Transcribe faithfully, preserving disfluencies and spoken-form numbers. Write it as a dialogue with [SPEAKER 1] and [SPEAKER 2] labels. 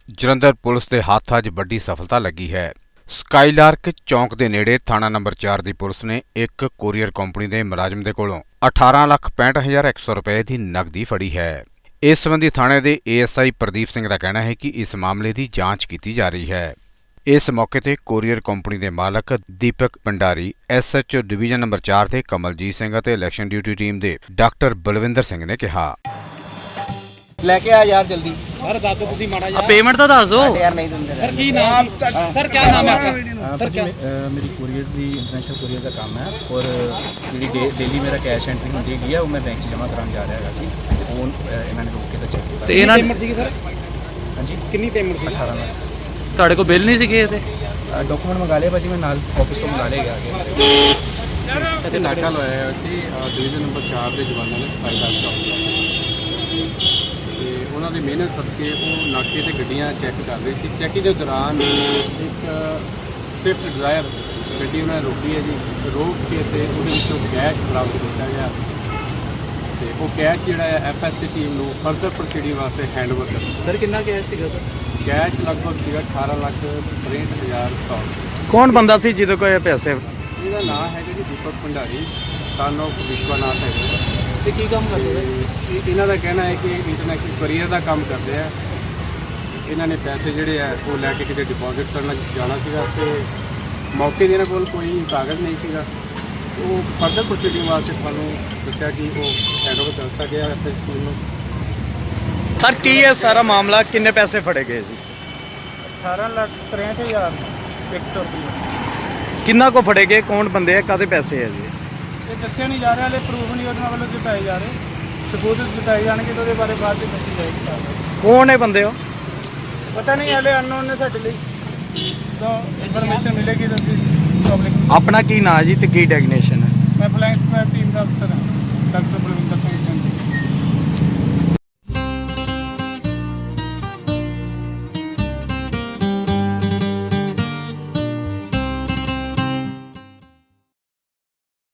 [SPEAKER 1] Jalandhar police ਦੇ ਹੱਥ ਅੱਜ ਵੱਡੀ ਸਫਲਤਾ ਲੱਗੀ ਹੈ। ਸਕਾਈਲਾਰਕ ਚੌਂਕ ਦੇ ਨੇੜੇ ਥਾਣਾ ਨੰਬਰ ਚਾਰ ਦੀ ਪੁਲਿਸ ਨੇ ਇੱਕ ਕੋਰੀਅਰ ਕੰਪਨੀ ਦੇ ਮੁਲਾਜ਼ਮ ਦੇ ਕੋਲੋਂ ਅਠਾਰਾਂ ਲੱਖ ਪੈਂਹਠ ਹਜ਼ਾਰ ਇੱਕ ਸੌ ਰੁਪਏ ਦੀ ਨਕਦੀ ਫੜੀ ਹੈ। ਇਸ ਸੰਬੰਧੀ ਥਾਣੇ ਦੇ A S I Pradeep Singh ਦਾ ਕਹਿਣਾ ਹੈ ਕਿ ਇਸ ਮਾਮਲੇ ਦੀ ਜਾਂਚ ਕੀਤੀ ਜਾ ਰਹੀ ਹੈ। ਇਸ ਮੌਕੇ ਤੇ ਕੋਰੀਅਰ ਕੰਪਨੀ ਦੇ ਮਾਲਕ Deepak Bhandari, S H O division number ਚਾਰ ਦੇ ਕਮਲਜੀਤ ਸਿੰਘ ਅਤੇ ਇਲੈਕਸ਼ਨ ਡਿਊਟੀ ਟੀਮ ਦੇ ਡਾਕਟਰ ਬਲਵਿੰਦਰ ਸਿੰਘ ਨੇ ਕਿਹਾ।
[SPEAKER 2] लेके आ यार जल्दी
[SPEAKER 3] सर दस दो माड़ा यार
[SPEAKER 4] पेमेंट तो दस दो
[SPEAKER 2] यार नहीं देंगे
[SPEAKER 3] सर की नाम सर क्या नाम है आपका
[SPEAKER 5] सर क्या मेरी कुरियर दी इंटरनेशनल कुरियर का काम है और जी डेली मेरा कैश एंट्री होती है वो मैं बैंक च जमा कराने जा रहा सी वो इन्होंने रोक के तो चेक किया।
[SPEAKER 4] ਤੇ ਇਹਨਾਂ
[SPEAKER 3] पेमेंट थी सर
[SPEAKER 5] हाँ जी
[SPEAKER 3] कितनी पेमेंट थी
[SPEAKER 5] अठारह लाख
[SPEAKER 4] ਤੁਹਾਡੇ ਕੋਲ ਬਿੱਲ ਨਹੀਂ ਸੀਗੇ ਇਹਦੇ?
[SPEAKER 5] डॉक्यूमेंट मंगा लिया भाजी मैं नाल ऑफिस तो मंगा ले गया।
[SPEAKER 6] ਇੱਥੇ ਨਾਕਾ ਲਾਇਆ ਹੋਇਆ ਸੀ ਡਿਵੀਜ਼ਨ ਨੰਬਰ ਚਾਰ ਦੇ ਜਵਾਨਾਂ ਨੇ ਸਫਾਈ ਦਾ ਚੌਕ ਤੇ ਉਹਨਾਂ ਦੀ ਮਿਹਨਤ ਸਦਕੇ ਉਹ ਨਾਕੇ ਤੇ ਗੱਡੀਆਂ ਚੈੱਕ ਕਰ ਰਹੇ ਸੀ। ਚੈਕਿੰਗ ਦੇ ਦੌਰਾਨ ਇੱਕ ਸਵਿਫਟ ਡਿਜ਼ਾਇਰ ਗੱਡੀ ਉਹਨਾਂ ਨੇ ਰੋਕੀ ਹੈ ਜੀ। ਰੋਕ ਕੇ ਤੇ ਉਹਦੇ ਵਿੱਚੋਂ ਕੈਸ਼ ਬਰਾਮਦ ਕੀਤਾ ਗਿਆ ਤੇ ਉਹ ਕੈਸ਼ ਜਿਹੜਾ ਹੈ ਐਫ ਐਸ ਟੀ ਟੀਮ ਨੂੰ ਫਰਦਰ ਪ੍ਰੋਸੀਡਿੰਗ ਵਾਸਤੇ ਹੈਂਡਓਵਰ ਕਰ ਦਿੱਤਾ।
[SPEAKER 4] ਸਰ ਕਿੰਨਾ ਕੈਸ਼ ਸੀਗਾ ਸਰ?
[SPEAKER 6] ਕੈਸ਼ ਲਗਭਗ ਸੀਗਾ ਅਠਾਰਾਂ ਲੱਖ ਤਰੇਂਹਠ ਹਜ਼ਾਰ ਸੌ।
[SPEAKER 4] ਕੌਣ ਬੰਦਾ ਸੀ ਜਿਹਦੇ ਕੋਲ ਇਹ ਪੈਸੇ?
[SPEAKER 6] ਇਹਦਾ ਨਾਮ ਹੈਗਾ ਜੀ ਦੀਪਕ ਭੰਡਾਰੀ, ਸਨ ਆਫ ਵਿਸ਼ਵਨਾਥ ਹੈਗਾ।
[SPEAKER 4] ਤੇ ਕੀ ਕੰਮ ਕਰਦੇ
[SPEAKER 6] ਇਹ ਇਹਨਾਂ ਦਾ ਕਹਿਣਾ ਹੈ ਕਿ ਇੰਟਰਨੈਸ਼ਨਲ ਕੁਰੀਅਰ ਦਾ ਕੰਮ ਕਰਦੇ ਆ। ਇਹਨਾਂ ਨੇ ਪੈਸੇ ਜਿਹੜੇ ਆ ਉਹ ਲੈ ਕੇ ਕਿਤੇ ਡਿਪੋਜ਼ਿਟ ਕਰਨ ਜਾਣਾ ਸੀਗਾ ਤੇ ਮੌਕੇ 'ਤੇ ਇਹਨਾਂ ਕੋਲ ਕੋਈ ਕਾਗਜ਼ ਨਹੀਂ ਸੀਗਾ। ਉਹ ਫਰਦਰ ਪ੍ਰੋਸੀਡਿੰਗ ਵਾਸਤੇ ਤੁਹਾਨੂੰ ਦੱਸਿਆ ਕਿ ਉਹ ਹੈਂਡਓਵਰ ਕਰ ਦਿੱਤਾ ਗਿਆ ਐਫ ਐਸ ਟੀ ਨੂੰ।
[SPEAKER 4] ਸਰ ਕੀ ਹੈ ਸਾਰਾ ਮਾਮਲਾ? ਕਿੰਨੇ ਪੈਸੇ ਫੜੇ ਗਏ ਸੀ?
[SPEAKER 3] अठारह लाख तिरसठ हज़ार एक सौ रुपये
[SPEAKER 4] ਕਿੰਨਾ ਕੋ ਫੜੇ ਗਏ? ਕੌਣ ਬੰਦੇ ਆ? ਕਾਹਦੇ ਪੈਸੇ ਹੈ ਜੀ?
[SPEAKER 3] ਇਹ ਦੱਸਿਆ ਨਹੀਂ ਜਾ ਰਿਹਾ, ਹਲੇ ਪ੍ਰੂਫ ਨਹੀਂ ਉਹਨਾਂ ਵੱਲੋਂ ਜਤਾਏ ਜਾ ਰਹੇ। ਸਬੂਤ ਜਤਾਏ ਜਾਣਗੇ ਤਾਂ ਉਹਦੇ ਬਾਰੇ ਬਾਅਦ ਵਿੱਚ ਦੱਸੀ ਜਾਏਗੀ।
[SPEAKER 4] ਕੌਣ ਹੈ ਬੰਦੇ? ਉਹ
[SPEAKER 3] ਪਤਾ ਨਹੀਂ, ਹਲੇ ਅਨਨੋਨ ਨੇ ਸਾਡੇ ਲਈ। ਜਦੋਂ ਇਨਫੋਰਮੇਸ਼ਨ ਮਿਲੇਗੀ ਤਾਂ ਅਸੀਂ ਪਬਲਿਕ।
[SPEAKER 4] ਆਪਣਾ ਕੀ ਨਾਂ ਜੀ ਤੇ ਕੀ ਡੈਗਨੇਸ਼ਨ ਹੈ?
[SPEAKER 3] ਮੈਂ ਫਲੈਂਕਸ ਟੀਮ ਦਾ ਅਫਸਰ ਹਾਂ, ਡਾਕਟਰ ਬਲਵਿੰਦਰ।